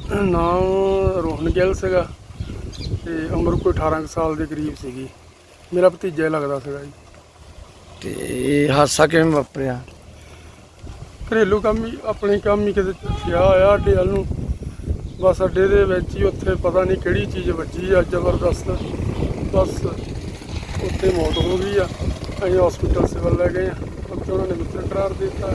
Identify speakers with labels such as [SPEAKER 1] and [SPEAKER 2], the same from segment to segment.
[SPEAKER 1] ਨਾਮ ਰੋਹਨ ਗਿੱਲ ਸੀਗਾ ਤੇ ਉਮਰ ਕੋਈ 18 ਕੁ ਸਾਲ ਦੇ ਕਰੀਬ ਸੀਗੀ। ਮੇਰਾ ਭਤੀਜਾ ਹੀ ਲੱਗਦਾ ਸੀਗਾ ਜੀ।
[SPEAKER 2] ਤੇ ਇਹ ਹਾਦਸਾ ਕਿਵੇਂ ਵਾਪਰਿਆ?
[SPEAKER 1] ਘਰੇਲੂ ਕੰਮ ਹੀ, ਆਪਣੇ ਕੰਮ ਹੀ ਕਿਤੇ ਗਿਆ ਹੋਇਆ ਅੱਡੇ ਵੱਲ ਨੂੰ। ਬਸ ਅੱਡੇ ਦੇ ਵਿੱਚ ਹੀ ਉੱਥੇ ਪਤਾ ਨਹੀਂ ਕਿਹੜੀ ਚੀਜ਼ ਵੱਜੀ ਆ ਜ਼ਬਰਦਸਤ, ਬਸ ਉੱਥੇ ਮੌਤ ਹੋ ਗਈ ਆ। ਅਸੀਂ ਹਸਪੀਟਲ ਸਿਵਲ ਲੈ ਗਏ ਆ, ਉੱਥੇ ਉਹਨਾਂ ਨੇ ਮ੍ਰਿਤਕ ਕਰਾਰ ਦੇ ਦਿੱਤਾ।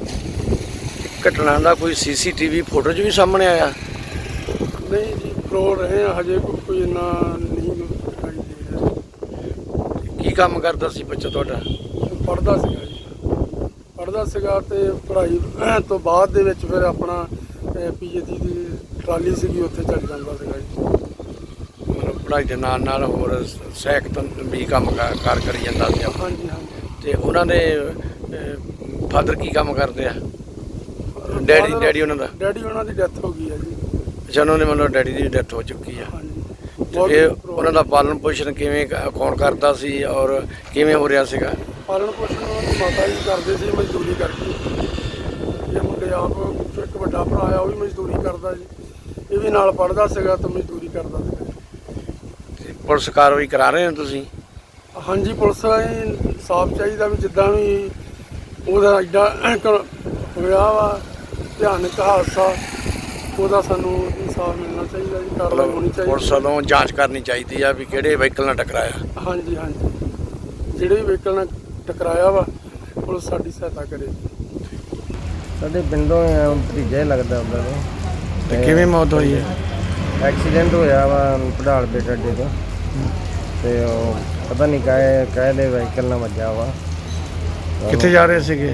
[SPEAKER 2] ਘਟਨਾ ਦਾ ਕੋਈ CCTV ਫੋਟੋ 'ਚ ਵੀ ਸਾਹਮਣੇ ਆਇਆ?
[SPEAKER 1] ਨਹੀਂ ਜੀ, ਫਰੋਡ ਰਹੇ ਆ, ਹਜੇ ਕੋਈ ਇੰਨਾ ਨਹੀਂ ਦਿਖਾਈ ਦੇ ਰਿਹਾ।
[SPEAKER 2] ਕੀ ਕੰਮ ਕਰਦਾ ਸੀ ਬੱਚਾ ਤੁਹਾਡਾ?
[SPEAKER 1] ਪੜ੍ਹਦਾ ਸੀਗਾ ਜੀ, ਪੜ੍ਹਦਾ ਸੀਗਾ ਤੇ ਪੜ੍ਹਾਈ ਤੋਂ ਬਾਅਦ ਦੇ ਵਿੱਚ ਫਿਰ ਆਪਣਾ PhD ਦੀ ਟਰਾਲੀ ਸੀਗੀ, ਉੱਥੇ ਚੱਲ ਜਾਂਦਾ ਸੀਗਾ ਜੀ।
[SPEAKER 2] ਮਤਲਬ ਪੜ੍ਹਾਈ ਦੇ ਨਾਲ ਨਾਲ ਹੋਰ ਸਹਾਇਕ ਵੀ ਕੰਮ ਕਾਰ ਕਰੀ ਜਾਂਦਾ ਸੀ।
[SPEAKER 1] ਹਾਂਜੀ ਹਾਂਜੀ।
[SPEAKER 2] ਤੇ ਉਹਨਾਂ ਦੇ ਫਾਦਰ ਕੀ ਕੰਮ ਕਰਦੇ ਆ? ਡੈਡੀ ਉਹਨਾਂ ਦਾ?
[SPEAKER 1] ਡੈਡੀ ਉਹਨਾਂ ਦੀ ਡੈਥ ਹੋ ਗਈ ਹੈ ਜੀ।
[SPEAKER 2] ਅੱਛਾ, ਉਹਨਾਂ ਦੇ ਮਤਲਬ ਡੈਡੀ ਦੀ ਡੈਥ ਹੋ ਚੁੱਕੀ ਆ।
[SPEAKER 1] ਹਾਂਜੀ।
[SPEAKER 2] ਤੇ ਇਹ ਉਹਨਾਂ ਦਾ ਪਾਲਣ ਪੋਸ਼ਣ ਕਿਵੇਂ ਕੌਣ ਕਰਦਾ ਸੀ ਔਰ ਕਿਵੇਂ ਹੋ ਰਿਹਾ ਸੀਗਾ?
[SPEAKER 1] ਪਾਲਣ ਪੋਸ਼ਣ ਉਹਨਾਂ ਦੀ ਮਾਤਾ ਜੀ ਕਰਦੇ ਸੀ, ਮਜ਼ਦੂਰੀ ਕਰਕੇ। ਇਹ ਮੁੰਡੇ ਆਪ, ਇੱਕ ਵੱਡਾ ਭਰਾ ਆ, ਉਹ ਵੀ ਮਜ਼ਦੂਰੀ ਕਰਦਾ ਜੀ। ਇਹ ਵੀ ਨਾਲ ਪੜ੍ਹਦਾ ਸੀਗਾ ਤੇ ਮਜ਼ਦੂਰੀ ਕਰਦਾ ਸੀਗਾ।
[SPEAKER 2] ਤੇ ਪੁਲਿਸ ਕਾਰਵਾਈ ਕਰਾ ਰਹੇ ਹੋ ਤੁਸੀਂ?
[SPEAKER 1] ਹਾਂਜੀ, ਪੁਲਿਸ ਨੂੰ ਸਾਫ਼ ਚਾਹੀਦਾ ਵੀ ਜਿੱਦਾਂ ਵੀ ਉਹਦਾ ਐਡਾ ਹੋਇਆ ਵਾ ਭਿਆਨਕ ਹਾਦਸਾ, ਉਹਦਾ ਸਾਨੂੰ ਇਨਸਾਫ ਮਿਲਣਾ ਚਾਹੀਦਾ ਜੀ, ਕਾਰਵਾਈ ਹੋਣੀ ਚਾਹੀਦੀ।
[SPEAKER 2] ਪੁਲਿਸ ਵੱਲੋਂ ਜਾਂਚ ਕਰਨੀ ਚਾਹੀਦੀ ਆ ਵੀ ਕਿਹੜੇ ਵਹੀਕਲ ਨਾਲ ਟਕਰਾਇਆ।
[SPEAKER 1] ਹਾਂਜੀ ਹਾਂਜੀ, ਜਿਹੜੇ ਵੀ ਵਹੀਕਲ ਨਾਲ ਟਕਰਾਇਆ ਵਾ ਪੁਲਿਸ ਸਾਡੀ ਸਹਾਇਤਾ ਕਰੇ।
[SPEAKER 3] ਸਾਡੇ ਪਿੰਡੋਂ ਭਤੀਜਾ ਹੀ ਲੱਗਦਾ ਉਹਨਾਂ ਨੂੰ।
[SPEAKER 2] ਤੇ ਕਿਵੇਂ ਮੌਤ ਹੋਈ ਹੈ?
[SPEAKER 3] ਐਕਸੀਡੈਂਟ ਹੋਇਆ ਵਾ ਪੜਾਲ ਬੇਟ ਅੱਡੇ ਤੋਂ, ਤੇ ਉਹ ਪਤਾ ਨਹੀਂ ਕਾਹਦੇ ਵਹੀਕਲ ਨਾਲ ਵੱਜਾ ਵਾ।
[SPEAKER 2] ਕਿੱਥੇ ਜਾ ਰਹੇ ਸੀਗੇ?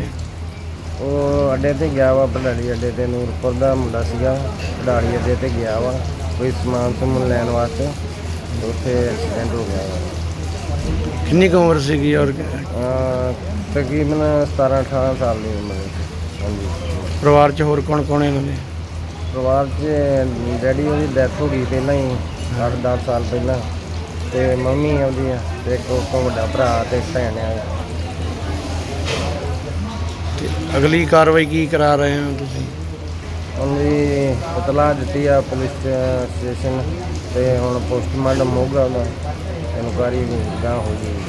[SPEAKER 3] ਉਹ ਅੱਡੇ ਤੇ ਗਿਆ ਵਾ, ਪੜਾਲੀ ਅੱਡੇ ਤੇ ਨੂਰਪੁਰ ਦਾ ਮੁੰਡਾ ਸੀਗਾ, ਪੜਾਲੀ ਅੱਡੇ ਤੇ ਗਿਆ ਵਾ ਕੋਈ ਸਮਾਨ ਸਮੂਨ ਲੈਣ ਵਾਸਤੇ, ਉੱਥੇ ਐਕਸੀਡੈਂਟ ਹੋ ਗਿਆ ਵਾ।
[SPEAKER 2] ਕਿੰਨੀ ਕੁ ਉਮਰ ਸੀਗੀ ਔਰ
[SPEAKER 3] ਤਕਰੀਬਨ 17-18 ਸਾਲ ਦੀ ਉਮਰ ਹੈ। ਹਾਂਜੀ।
[SPEAKER 2] ਪਰਿਵਾਰ 'ਚ ਹੋਰ ਕੌਣ ਕੌਣ ਇਹਨਾਂ ਦੇ?
[SPEAKER 3] ਪਰਿਵਾਰ 'ਚ ਡੈਡੀ ਉਹਦੀ ਡੈਥ ਹੋ ਗਈ ਪਹਿਲਾਂ ਹੀ 8-10 ਸਾਲ ਪਹਿਲਾਂ, ਤੇ ਮੰਮੀ ਆਉਂਦੀ ਆ, ਤੇ ਇੱਕ ਉਸ ਤੋਂ ਵੱਡਾ ਭਰਾ ਤੇ ਭੈਣ ਆ।
[SPEAKER 2] ਤੇ ਅਗਲੀ ਕਾਰਵਾਈ ਕੀ ਕਰਾ ਰਹੇ ਹੋ ਤੁਸੀਂ?
[SPEAKER 3] ਉਹਦੀ ਇਤਲਾਹ ਦਿੱਤੀ ਆ ਪੁਲਿਸ ਸਟੇਸ਼ਨ, ਤੇ ਹੁਣ ਪੋਸਟਮਾਰਟਮ ਹੋਊਗਾ, ਉਹਦਾ ਇਨਕੁਆਇਰੀ ਗਾਂ ਹੋ ਗਈ।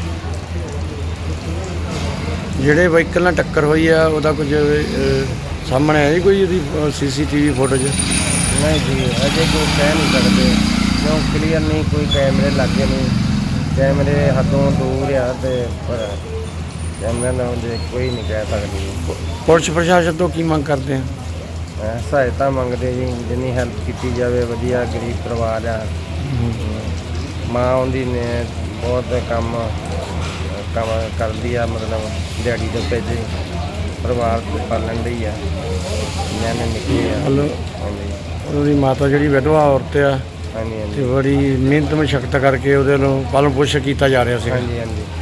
[SPEAKER 2] ਜਿਹੜੇ ਵਹੀਕਲ ਨਾਲ ਟੱਕਰ ਹੋਈ ਆ ਉਹਦਾ ਕੁਝ ਸਾਹਮਣੇ ਆਇਆ ਜੀ ਕੋਈ ਉਹਦੀ CCTV ਫੋਟੋ 'ਚ?
[SPEAKER 3] ਨਹੀਂ ਜੀ, ਅਜੇ ਕੋਈ ਕਹਿ ਨਹੀਂ ਸਕਦੇ ਕਿਉਂ ਕਲੀਅਰ ਨਹੀਂ, ਕੋਈ ਕੈਮਰੇ ਲੱਗੇ ਨਹੀਂ, ਕੈਮਰੇ ਹੱਥੋਂ ਦੂਰ ਆ, ਤੇ ਪਰ ਕੈਮਰੇ ਨਾਲ ਕੋਈ ਨਹੀਂ ਕਹਿ ਸਕਦੀ।
[SPEAKER 2] ਪੁਲਿਸ ਪ੍ਰਸ਼ਾਸਨ ਤੋਂ ਕੀ ਮੰਗ ਕਰਦੇ ਆ?
[SPEAKER 3] ਸਹਾਇਤਾ ਮੰਗਦੇ ਜੀ, ਜਿੰਨੀ ਹੈਲਪ ਕੀਤੀ ਜਾਵੇ। ਵਧੀਆ ਗਰੀਬ ਪਰਿਵਾਰ ਆ, ਮਾਂ ਉਹਦੀ ਨੇ ਬਹੁਤ ਕੰਮ ਕਰਦੀ ਆ, ਮਤਲਬ ਦਿਹਾੜੀ ਦੇ ਪੈਸੇ ਪਰਿਵਾਰ ਪਾਲਣ ਲਈ ਆ, ਨਿਆਣੇ ਨਿੱਕੇ ਆ। ਹਾਂਜੀ।
[SPEAKER 2] ਉਹਦੀ ਮਾਤਾ ਜਿਹੜੀ ਵਿਧਵਾ ਔਰਤ ਆ,
[SPEAKER 3] ਹਾਂਜੀ
[SPEAKER 2] ਤੇ ਬੜੀ ਮਿਹਨਤ ਮਸ਼ੱਕਤ ਕਰਕੇ ਉਹਦੇ ਨੂੰ ਪਾਲਣ ਪੋਸ਼ਣ ਕੀਤਾ ਜਾ ਰਿਹਾ ਸੀ।
[SPEAKER 3] ਹਾਂਜੀ ਹਾਂਜੀ।